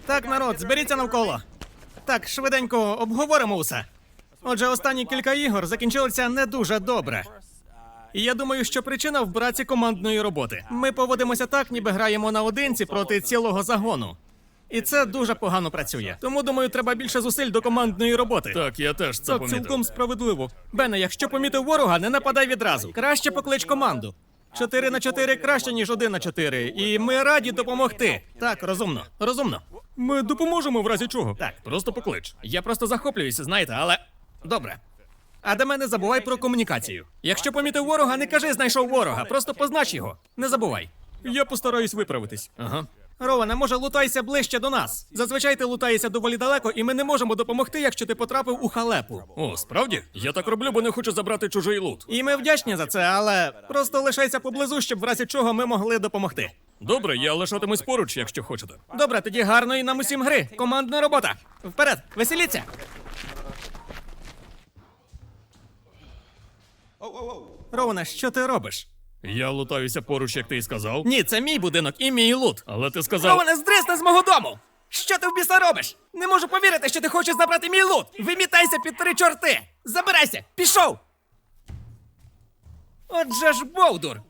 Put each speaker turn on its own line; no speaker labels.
Так, народ, зберіться навколо. Так, швиденько обговоримо усе. Отже, останні кілька ігор закінчилися не дуже добре. І я думаю, що причина в браці командної роботи. Ми поводимося так, ніби граємо наодинці проти цілого загону. І це дуже погано працює. Тому, думаю, треба більше зусиль до командної роботи.
Так, я теж це
Так,
помітив.
цілком справедливо. Бене, якщо помітив ворога, не нападай відразу. Краще поклич команду. 4 на 4 краще, ніж 1 на 4. І ми раді допомогти. Так, розумно. Розумно.
Ми допоможемо в разі чого.
Так.
Просто поклич.
Я просто захоплююся, знаєте, але... Добре. А до мене забувай про комунікацію. Якщо помітив ворога, не кажи «знайшов ворога», просто познач його. Не забувай.
Я постараюсь виправитись.
Ага. Роване, може, лутайся ближче до нас. Зазвичай ти лутаєшся доволі далеко, і ми не можемо допомогти, якщо ти потрапив у халепу.
О, справді? Я так роблю, бо не хочу забрати чужий лут.
І ми вдячні за це, але просто лишайся поблизу, щоб в разі чого ми могли допомогти.
Добре, я лишатимусь поруч, якщо хочете.
Добре, тоді гарної нам усім гри. Командна робота. Вперед, веселіться. Роване, що ти робиш?
Я лутаюся поруч, як ти й сказав.
Ні, це мій будинок і мій лут.
Але ти сказав...
Роване, здрисни з мого дому! Що ти в біса робиш? Не можу повірити, що ти хочеш забрати мій лут! Вимітайся під 3 чорти! Забирайся! Пішов! Отже ж, Бовдур!